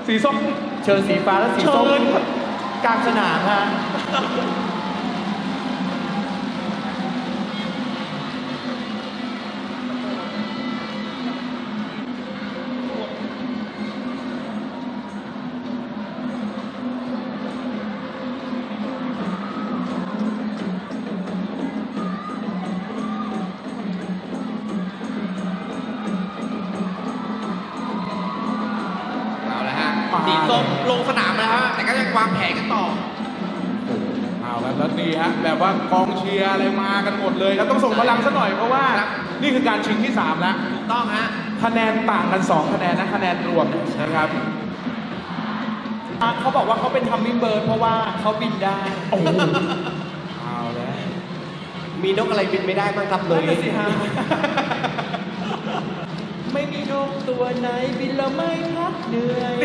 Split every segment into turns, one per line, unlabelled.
สีส้มเชิญสีฟ้าและสีส้มกลางสนามฮะ
สีส้มลงสนามแล้วฮะแต่ก็ยังวางแผนกันต่อ
เอาแล้วดีฮะแบบว่ากองเชียร์อะไรมากันหมดเลยครับต้องส่งพลังซะหน่อยเพราะว่านี่คือการชิงที่3แล้ว
ถูกต้องฮะ
คะแนนต่างกัน2คะแนนนะคะแนนรวมนะครับเขาบอกว่าเขาเป็นทัมมิ่งเบิร์ดเพราะว่าเขาบินได้โอ้เอาแล้ว
มีนกอะไรบินไม่ได้บ้างครับเลย
สิฮะไม่มีนกตัวไหนบินแล้วไม่พักเหนื่อย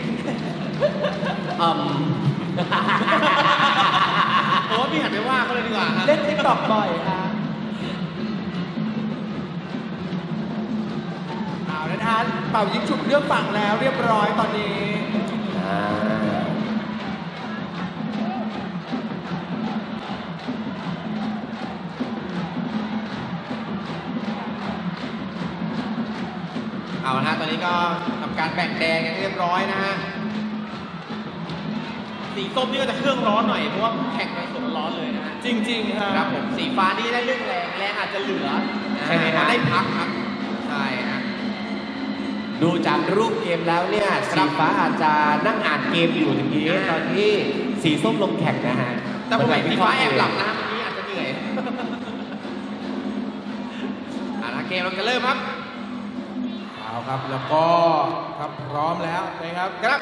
โอ้พี่หันไปว่าเขาเลยดีกว่า
เล่นติ๊กต็อกบ่อยฮะเอาละท่านเป่ายิงฉุบเลือกฝั่งแล้วเรียบร้อยตอนนี้
เอาละฮะตอนนี้ก็ทำการแบ่งแดงกันเรียบร้อยนะฮะสีส้มนี่ก็จะเครื่องร้อนหน่อยเพราะว่าแข่งในสวนร้อนเลยนะฮะ
จริงๆ
ครับผมสีฟ้านี่ได้เรื่องแรงอาจจะเหลือใช่ไหมฮะได้พักครับใช่ฮะ
ดูจากรูปเกมแล้วเนี่ยสีฟ้าอาจจะนั่งอ่านเกมอยู่อย่างนี้ตอนที่สีส้มลงแข่งนะฮะ
แต่ผมเห็นสีฟ้าแอบหลับนะเมื่อกี้อาจจะเหนื่อยเกมเราจะเริ่มครับ
เอาครับแล้วก็ครับพร้อมแล้วนะครับ
ครับ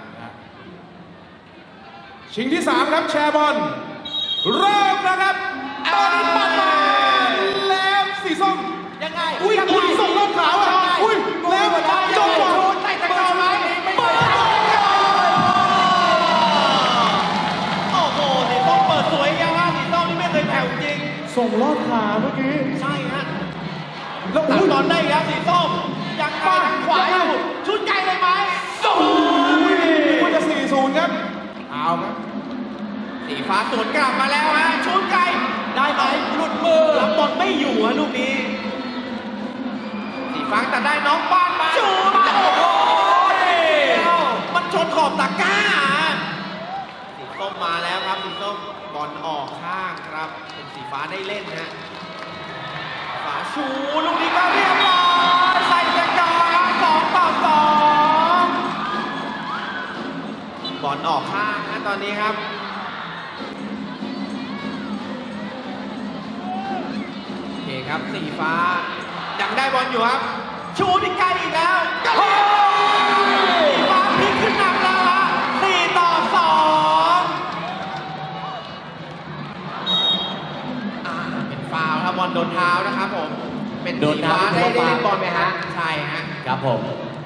ชิงที่3ครับแชร์บอลเริ่มนะครับตอนนี้ปัดมาแล้วสีส้ม
ยังไง
อุ้ยส่งรอบขาวอ่ะอุ้ยแล้วจบก่อน
ใส่ตะกร้อไหมโอ้โหสีส้มเปิดสวยยังว่าสีส้มนี่ไม่เคยแผ่วจริง
ส่งรอบขาเมื่อกี้
ใช่ฮะแล้วตัดบอลได้ครับสีส้มยังไงทางขวาอยู่ชุดไกลเลยไหม
โอ้ยมันจะ4-0ครับเอาครับ
สีฟ้าสวนกลับมาแล้วฮะชุดไกลได้ไหมหลุดมือรับบอลไม่อยู่ฮะลูกนี้สีฟ้าแต่ได้น้องบ้านมาชูโอ้โหมันชนขอบตะกร้าสีส้มมาแล้วครับสีส้มบอลออกข้างครับเป็นสีฟ้าได้เล่นฮะฝาชูลูกนี้ก็เรียบร้อยใส่ตะกร้า2-2บอลออกข้างนะตอนนี้ครับโอเคครับสีฟ้ายังได้บอลอยู่ครับชูที่ไกลอีกแล้วสีฟ้าพลิกขึ้นนำแล้วฮะ4-2เป็นฟาวล์ครับบอลโดนเท้านะครับผมเป็นสีฟ้าได้เล่นบอลไหมฮะใช่ฮะ
ครับผม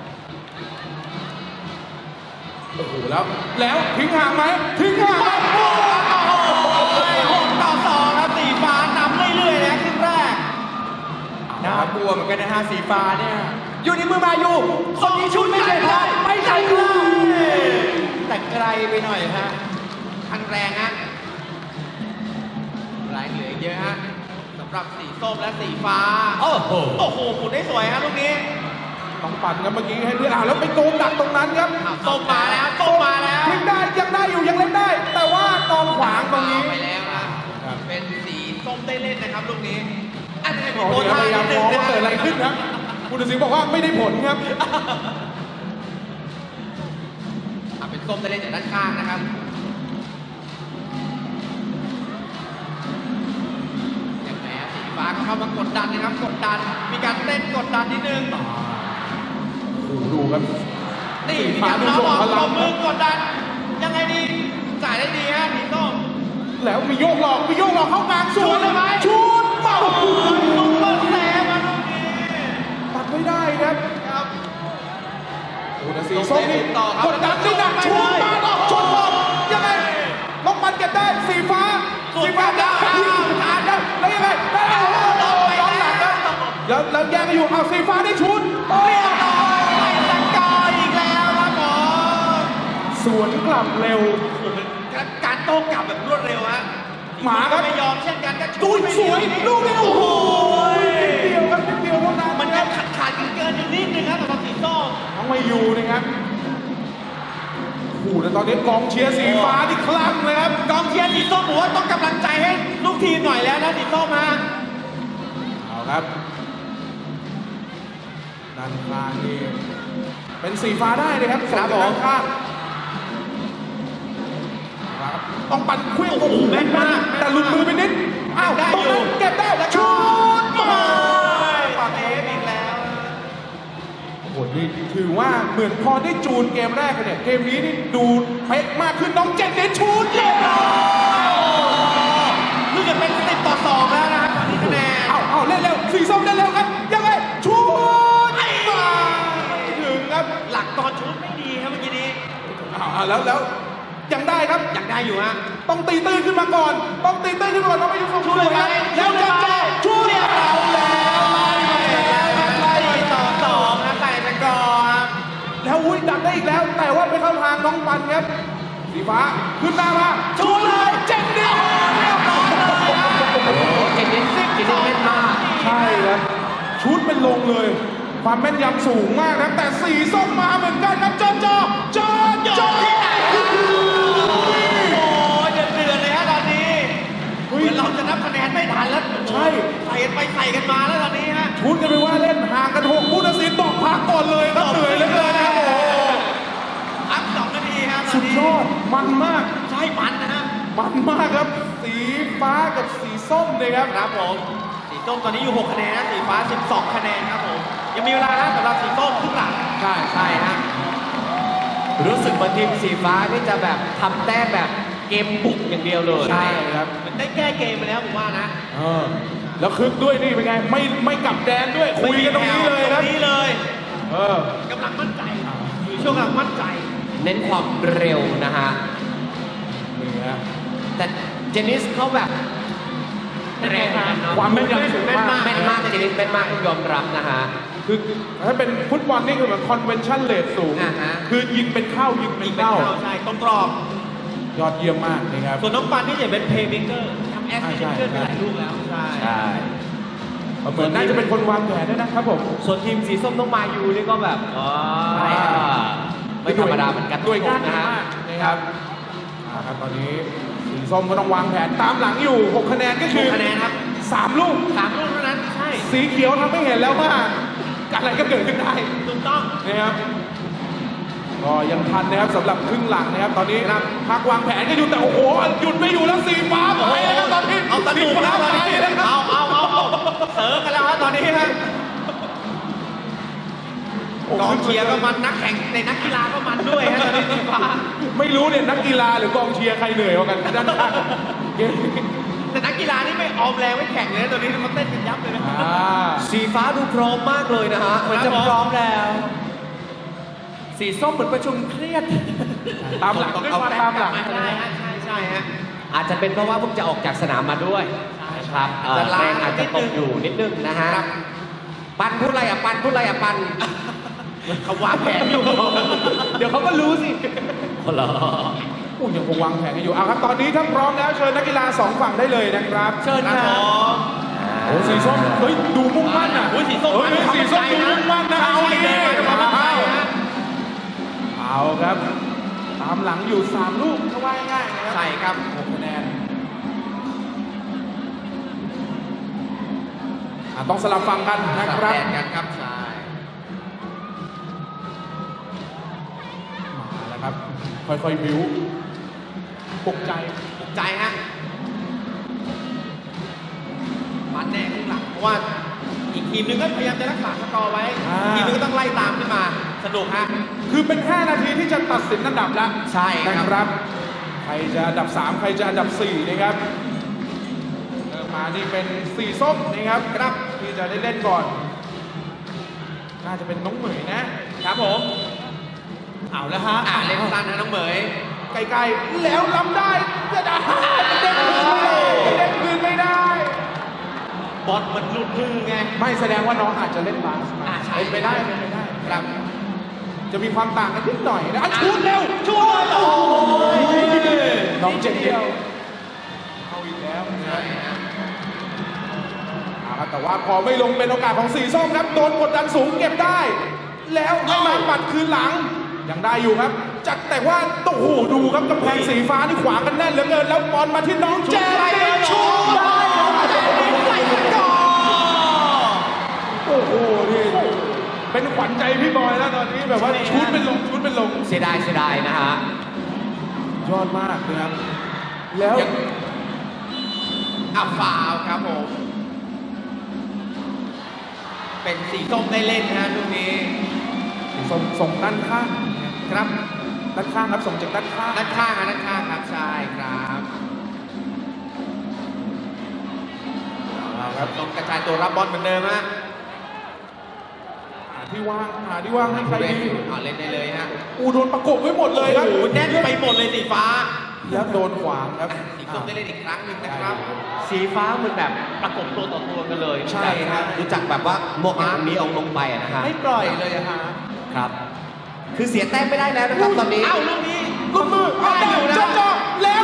โอ้โหแล้วทิ้งห่างไหมทิ้งห่าง
โอ้โห6-2ครับสีฟ้านำเรื่อยๆนะครึ่งแรก
น่ากลัวเหมือนกันนะฮะสีฟ้าเนี่ยอยู่ในมือมาอยู่คนนี้ชุดไม่ใช่ได้ไม่ใช่เลยแต่ไกลไปหน่อยฮะ
คันแรงฮะแรงเหลือเยอะฮะสำหรับสีส้มและสีฟ้าโอ้โหหมุนได้สวยฮะลูกนี้
ต้องปั่นกันเมื่อกี้ให้เพื่อนแล้วไปโกงดักตรงนั้นครับ
ส้มมาแล้ว
ทิ้งได้ยังได้อยู่ยังเล่นได้แต่ว่ากองขวางตรงนี้
ไปแล้วนะเป็นสีส้มได้เล่นนะครับลูกนี้อันนี้มี
โพสต์พยายามมองว่าเกิดอะไรขึ้นครับผู้ตัดสินบอกว่าไม่ได้ผลครับ
เป็นส้มได้เล่นจากด้านข้างนะครับอย่างไรสีฟ้าก็เข้ามากดดันนะครับกดดันมีการเต้นกดดันนิดนึง
ดูครับ
นี่มีการน้องออกมือกดดันยังไงดีจ่ายได้ดีฮะสีส้ม
แล้วมีโยกหลอกเข้ากลาง
ชูดเลยไหม
ชูดเป่า
ซุปเปอร์เซฟมาตรงนี้
ตัดไม่ได้ครับโอ้แต่สีส้มนี่กดดันนี่หนักชูดมาต่อชนบอลยังไงล็อกมันเก็บได้สีฟ้าได้แล้วยังไงได้ย้อนหลังแล้วแย่งกันอยู่เอาสีฟ้าได้ชุด
เรียบร้อยใส่ตะกร้ออีกแล้วครับผม
สวนกลับเร็ว
โอ้โหเป็นการโต้กลับแบบรวดเร็วฮะ
หมาครับ
ไม่ยอมเช่นกันก็
ดูสวยลูกนี้โอ้โห
ย
นิดเดียวครับนิดเดียวเท่านั้น
มัน
ค
ยั
รั
ง
บ
ขาดเกินอยู่นิดนึงครับสำหรับสีส้ม
น้องมายูนะครับโอ้โหแต่ตอนนี้กองเชียร์สีฟ้าที่คลั่งเลยครับ
กองเชียร์สีส้มผมว่าต้องกำลังใจให้ลูกทีมหน่อยแล้วนะสีส้มฮะ
เอาครับด้านข้างนี่เป็นสีฟ้าได้เลยครับ
ครับ
ส่งจาก
ผม
ด้านข้างครับต้องปั่นเคลื่อน
โอ้โหแม่นมาก
แต่หลุดมือไปนิดอ้าว
ได้
ตรง
อยู่
นั้นเก็บได้แล้วชุดมา
ปัดเอฟอีกแล้ว
โอ้โหนี่ถือว่าเหมือนพอได้จูนเกมแรกกันเนี่ยเกมนี้นี่ดูเป๊ะมากขึ้นน้องเจนเน้นชุดเรียบร้อย
เพิ่งจะเป็น10-2แล้วนะครับตอนนี้คะแนน
เอาเล่นเร็วสีส้มเล่นเร็วครับยังไงชุดมาไม่ถึงครับ
หลักตอนชุดไม่ดีครับเมื่อกี้นี้
เอาแล้วยังได้ครับ
อยากได้อยู่ฮะ
ต้องตีตื้นขึ้นมาก่อน ต้องตีตื้นขึ้นมาก่อนต้องไม่ยุ่งชุดเลยครับแล้วจะชุดเรียบร้อยแล้วไล่มาแล้วครับไล่
4-2นะใส่ตะกอครับ
แล้วอุ้ยดักได้อีกแล้ว แต่ว่าไปเข้าทางน้องปันครับสีฟ้าขึ้นหน้ามาชุดเลยเจ็ดเดียวเรียบร้อยเลยครับ
โอ้โหเจนนิสแม่นมาก
ใช่ครับชุดเป็นลงเลย ความแม่นยำสูงมากนะแต่สีส้มมาเหมือนกันครับจอที่ไหนครับ
โอ้ยเดือดเลยฮะตอนนี้เหมือนเราจะนับคะแนนไม่ทันแล้ว
ใช่
ใส่กันไปใส่กันมาแล้วตอนนี้ฮะ
ชุดกันไปว่าเล่นห่างกัน6ผู้ตัดสินบอกพักก่อนเลยครับเหนื่อยเหลือเกินนะครับโอ้โห
พัก2 นาทีครับตอ
สุ
น
ด
นี้
ยอดมันมาก
ใช่มันนะฮะ
มันมากครับ สีฟ้ากับสีส้มเลยครับ
ครับผมสีส้มตอนนี้อยู่6 คะแนนนะสีฟ้า12 คะแนนครับผมยังมีเวลานะสำหรับสีส้มครึ่งหลัง
ใช่ฮะรู้สึกเหมือนทีมสีฟ้าที่จะแบบทำแต้มแบบเกมบุกอย่างเดียวเลย
ใช่ครับ
มันได้แก้เกมไปแล้วผมว่านะ
แล้วคึกด้วยนี่เป็นไงไม่กลับแดนด้วยคุยกันตรงนี้เลย
ต
ค
ร
รับ
งนี้เลย
เออก
ำลังมั่นใจอยู่ช่วงกำลังมั่นใจ
เน้นความเร็วนะฮะ
นี่ฮะ
แต่เจนนิสเขาแบบเร็วนะเนอะ
ความแม่นยำสูงมาก
แม่นมากเจนนิสแม่นมากต้องยอมรับนะฮะ
คือถ้าเป็นฟุตบอลนี่คือแบบคอนเวนชั่นเลทสูง
อ่าฮะ
คือยิงเป็นเข้ายิงเป็นเข้า
ใช่ตรงกรอบ
ยอดเยี่ยมมากนะครับ
ส่วนน้องปันนี่จะเป็นเพย์เมเกอร์ทำแอสซิส
ใช่
ต์เกินไปหลายลูกแล้วใช่
ใช่
เหมือนน่าจะเป็นคนวางแผนด้วยนะครับผม
ส่วนทีมสีส้มต้องมายูนี่ก็แบบไม่ธรรมดาเหมือนกัน
ด้วยกัน
นะ
นะ
ฮะ
ฮะนะครับครับตอนนี้สีส้มก็ต้องวางแผนตามหลังอยู่ 6 คะแนนก็คือ
คะแนนครับ
3 ลูก
3 ลูกเท่านั้นใช่
สีเขียวทำให้เห็นแล้วว่าอะไรก็เกิดขึ้นได้
ถูกต้อง
นะครับก็ยังทันนะครับสำหรับครึ่งหลังนะครับ ตอนนี้พักวางแผนก็อยู่แต่โอ้โหหยุดไม่อยู่แล้วสีฟ้าไปแล้วครับตอนนี้
เอาสนุกแล้วตอนนี้
สีฟ้าไปแล้วครับ
เอาเสิร์ฟกันแล้วฮะตอนนี้ฮะกองเชียร์ก็มันนักแข่งในนักกีฬาก็มันด้วยฮะตอนนี้สีฟ้า
ไม่รู้เนี่ยนักกีฬาหรือกองเชียร์ใครเหนื่อยกว่ากันด้านข้างเกม
แต่นักกีฬานี่ไม่ออมแรงไม่แข่งเลยนะตอนนี้มันเต้นกันยับเลยนะ
สีฟ้าดูพร้อมมากเลยนะฮะเหมือนจะพร้อมแล้ว สีส้มเหมือนประชุมเครียด
ตามหลังด้วยความตามหลัง
ใช่ฮะใช่ฮะ
อาจจะเป็นเพราะว่าเพิ่งจะออกจากสนามมาด้วยนะครับ
จะล้า
แรงอาจจะตกอยู่นิดนึงนะฮะ ปันพูดอะไรอ่ะปันพูดอะไรอ่ะปัน
เขาวางแผนอยู่
เดี๋ยวเขาก็รู้สิเหรอ
อู้ยังคงวางแผนกันอยู่เอาครับตอนนี้ถ้าพร้อมแล้วเชิญนักกีฬา2 ฝั่งได้เลยนะครับ
เชิญ
ค
ค
รั
รั
บบ ผม
โอ้สีส้มเฮ้ยดูมุ่งมั่นอ่ะ
โอ้ยสีส้ม
เฮ้ยสีส้มดูมุ่งมั่นนะเอาดิเอาครับตามหลังอยู่3 ลูกถ้าว่าง่ายๆนะครับ
ใช่ครับ
6 คะแนนต้องสลับฟังกันนะค
สับ
รับ
แดนกันครับใช่
มาแล้วครับ ค่อยๆบิ้วปลุกใจ
ใจฮะมันแน่ข้างหลังเพราะว่าอีกทีมหนึงก็พยายามจะรักษาสกอร์ไว้
อ่า
ทีมหนึงก็ต้องไล่ตามขึ้นมาสนุกฮะ
คือเป็น5 นาทีที่จะตัดสินอันดับแล้ว
ใช่ครับ
นะครับ ใครจะอันดับ 3 ใครจะอันดับ 4 นะครับเริ่มมานี่เป็นสีส้มนะครับครับที่จะได้เล่นก่อน น่าจะเป็นน้องเหมยนะครับ
ผมเอาแล้วฮะเล่นสั้นนะน้องเหมย
ใกล้ๆแล้วล้ำได้จะได้เด้งคืนไม่ได้เด้งคืนไม่ได้
บอลมันหลุดมือไง
ไม่แสดงว่าน้องอาจจะเล่นบาสมา
ใช่
เป็นไปได้เป็นไปได้ครับ จะมีความต่างกันนิดหน่อยนะชุดเร็วชุดโอ้น้องเจนนิสเข้าอีกแล้วนะครับแต่ว่าพอไม่ลงเป็นโอกาสของสีส้มครับโดนกดดันสูงเก็บได้ แล้วให้มาปัดคืนหลังยังได้อยู่ครับจัดแต่ว่าโอ้โหดูครับกำแพงสีฟ้านี่ขวางกันแน่นเหลือเกินแล้วบอลมาที่น้องเจนนิสชูได้โอ้โหนี่เป็นขวัญใจพี่บอยแล้วตอนนี้แบบว่าชุดเป็นลง
เสียดายนะฮะ
ยอดมากนะครับแล้ว
ฟาวล์ครับผม เป็นสีส้มได้เล่นนะฮะลูกนี้
ส่งด้านข้าง
ครับ
ด้านข้างครับส่งจากด้านข้าง
ด้านข้างด้านข้างครับใช่ครับเอาครับต้องกระจายตัวรับบอลเหมือนเดิมฮะ
หาที่ว่างให้ใครดี
เล่นได้เลยฮะ
โดนประกบไว้หมดเลยครับ
โอ้โหแน่นไปหมดเลยสีฟ้า
แล้วโดนขวางครับ
สีส้มได้เล่นอีกครั้งหนึ่งนะครับ
สีฟ้ามันแบบประกบตัวต่อตัวกันเลย
ใช่ครับ
รู้จักแบบว่าโมอาร์ตนี้เอาลงไปอะนะฮะ
ไม่ปล่อยเลยอะฮะ
ครับ คือเสียแต้มไม่ได้แล้วนะครับตอนนี้
เอ้าลูกนี้
ลูกมือเอาได้อยู่นะจ่อแล้ว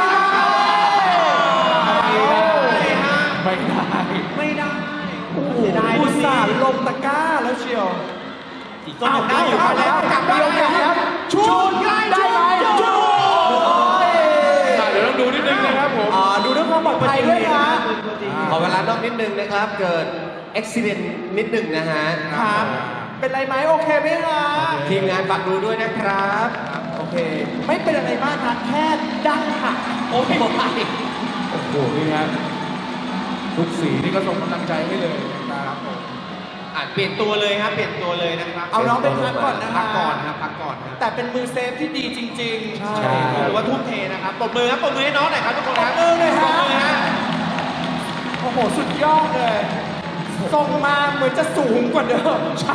ไม่ได้
ไม่ได้
เสียดาย
อุตส่าห์ลง
ตะกร้าแล้วเชียว
สีส้มได้อยู่แล้วกลับมาแล้ว
ชูดได้ไหมชูดเดี๋ยวต้องดูนิดนึงนะครับผม
ดูเรื่องความปลอดภัยด้วยนะขอเวลานอกนิดนึงนะครับ เกิดอุบิเหตุนิดนึงนะฮะ
ครับ
เป็นไรไหมโอเคไหมคะ
ทีมงานฝากดูด้วยนะครับ
โอเค
ไม่เป็นอะไรมากนะแค่ดั้งหัก
โอ้โห
โอ้โห นี่ฮะทุกสีนี่ก็ส่งกำลังใจให้เลยนะครับผม
เปลี่ยนตัวเลยครับ เปลี่ยนตัวเลยนะครับ
เอาน้องไปพักก่อนนะ
พักก่อนครับพักก่อนครับ
แต่เป็นมือเซฟที่ดีจริงๆ
ใช่
ถือว่าทุ่มเทนะครับปรบมือครับปรบมือให้น้องหน่อยครับทุกคนครับ
ปรบมือเลยฮะ
ปรบมือฮะ
โอ้โห สุดยอดเลยทรงมาเหมือนจะสูงกว่าเดิม
ใช่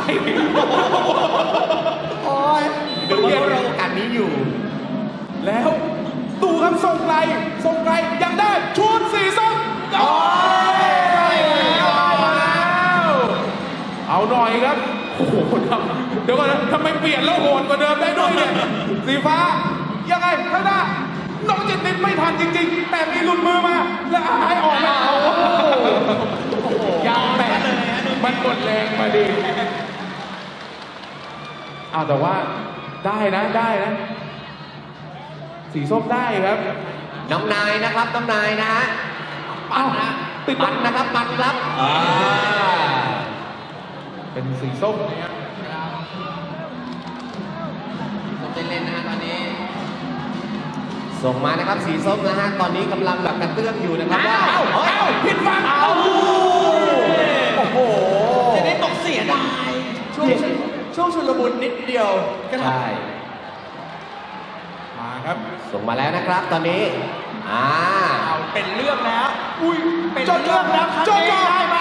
โอ้ย
ดูว่าเราโอกาสนี้อยู่
แล้วดูครับส่งไกลยังได้ชูดสีส้มโอ้ยเอาหน่อยครับ โอ้โหเดี๋ยวก่อนนะทำไมเปลี่ยนแล้วโหดกว่าเดิมได้ด้วยเนี่ย สีฟ้า ยังไงข้างหน้าน้องเจนนิสไม่ทันจริงๆ แต่มีหลุดมือมา แล้วหายออกมาโอ้โหยังแปะมันหมดแรงมาดีเอาแต่ว่าได้นะ สีส้มได้ครับ
น้องนายนะครับน้องนายนะฮะ
อ้าวติด
ปันนะครับปันครับ
เป็นสีส้มเนี่ย
ผมได้เล่นนะฮะตอนนี้
ส่งมานะครับสีส้มนะฮะตอนนี้กำลังแบบกระเตื้องอยู่นะครับว่า
เอ้าผิดฝั่งเอา
โอ้โห
จะได้ตกเสียดาย
ช่วงชุลมุนนิดเดียว
ใช่
มาครับ
ส่งมาแล้วนะครับตอนนี้
เอาเป็นเรื่องแล้ว
อุ้ย
เป็นเรื่องแล้วครั้งนี้ได้ไหม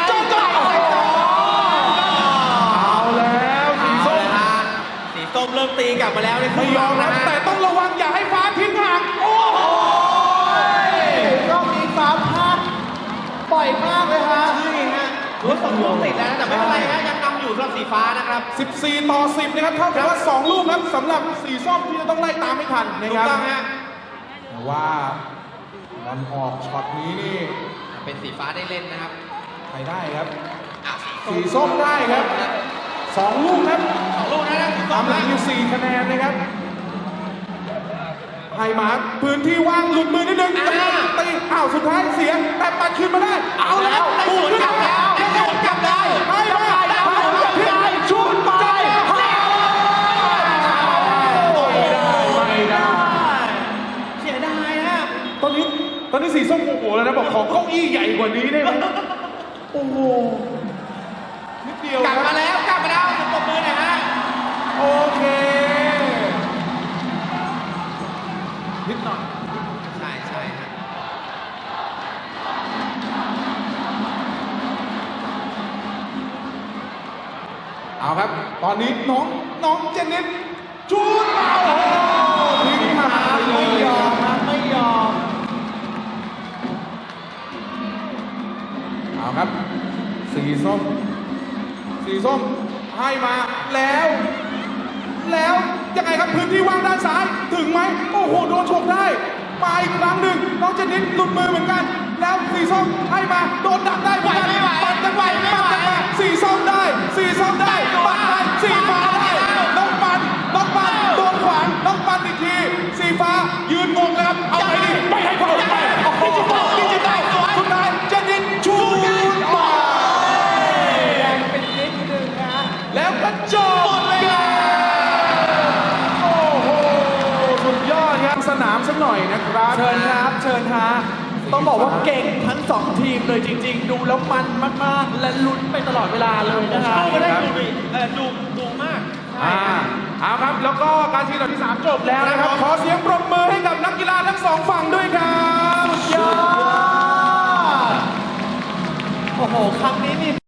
เอาแล้วสีส้ม
เอาละฮะสีส้มเริ่มตีกลับมาแล้วในค
ไม่
รึ่ง
ยอม
นะ
นะ
ฮะ
แต่ต้องระวังอย่าให้ฟ้าทิ้งห่างโอ้โห
รอบนี้ฟ้าพลาดบ่อยมากเลยฮะ
ใช่ฮะถือว่าสองลูกติดแล้วนะแต่ไม่เป็นไรฮะยังนำอยู่สำหรับสีฟ้านะครับ
14-10นะครับเท่ากับว่า2ลูกครับสำหรับสีส้มที่จะต้องไล่ตามไม่ทันนะ
ถู
ค
ก
รับ
ต้องฮะ
แต่ว่าบอลออกช็อตนี้นี่
เป็นสีฟ้าได้เล่นนะครับ
ใครได้ครับ
อ่ะ
สีส้มได้ครับ2ลูกครับ
สองลูกนะสีส้
ตาม
ม
หลั
นะ
งอยู่4คะแนนนะครับให้มาพื้นที่ว่างหลุดมือนิดนึงตีอ้าวสุดท้ายเสียแต่ปัดคืนมาได้ เอาแล้ว
ได้สวนกลับแล้วได้สวนกลับได้
ให้มาพิษชุดไปไม่ได้
เสียดายฮะ
ตอนนี้สีส้มโอ้โหแล้วนะบอกขอเก้าอี้ใหญ่กว่านี้ได้ไหมโอ้โหนิดเดียว
กลับ
ค
มา
รับ
แล้วกลับมาแล้วปรบมือหน่อยฮะ
โอเคนิดหน่อย
ใช่ใช่ฮะ
เอาครับ ตอนนี้น้องเจนนิสชูดเอาโอ้โหทิ้งหายเล
ไม่
ย
ยอมนะไม่ยอม
เอาครับ สีส้มให้มาแล้วยังไงครับพื้นที่ว่างด้านซ้ายถึงไหมโอ้โหโดนฉกได้มาอีกครั้งน้องเจนนิสหลุดมือเหมือนกัน แล้วสีส้มให้มาโดนดักได้เหมือนกันปัดกันไปปัดกันมาสีส้มได้สีส้มได้ปัดได้สีฟ้าได้น้องปันโดนขวางน้องปันอีกทีสีฟ้ายืนงงแล้วครับเอาไงดีไม่ให้เขาไปโอ้โหดิจิตอลสุดท้ายเจนนิสชูดมา
แรงเป็นนิดนึงนะ
แล้วก็จบเกมโอ้โหสุดยอดครับสนามสักหน่อยนะครับ
เชิญครับ เชิญฮะต้องบอกว่าเก่งทั้งสองทีมเลยจริงๆ ดูแล้วมันมากๆ และลุ้นไปตลอดเวลาเลยนะฮะ
ไม่ได้ดูมาก
เอาครับ แล้วก็การชิงอันดับที่ 3 จบแล้วนะครับ ขอเสียงปรบมือให้กับนักกีฬาทั้งสองฝั่งด้วยครับ
สุดยอด โอ้โห ครั้งนี้นี่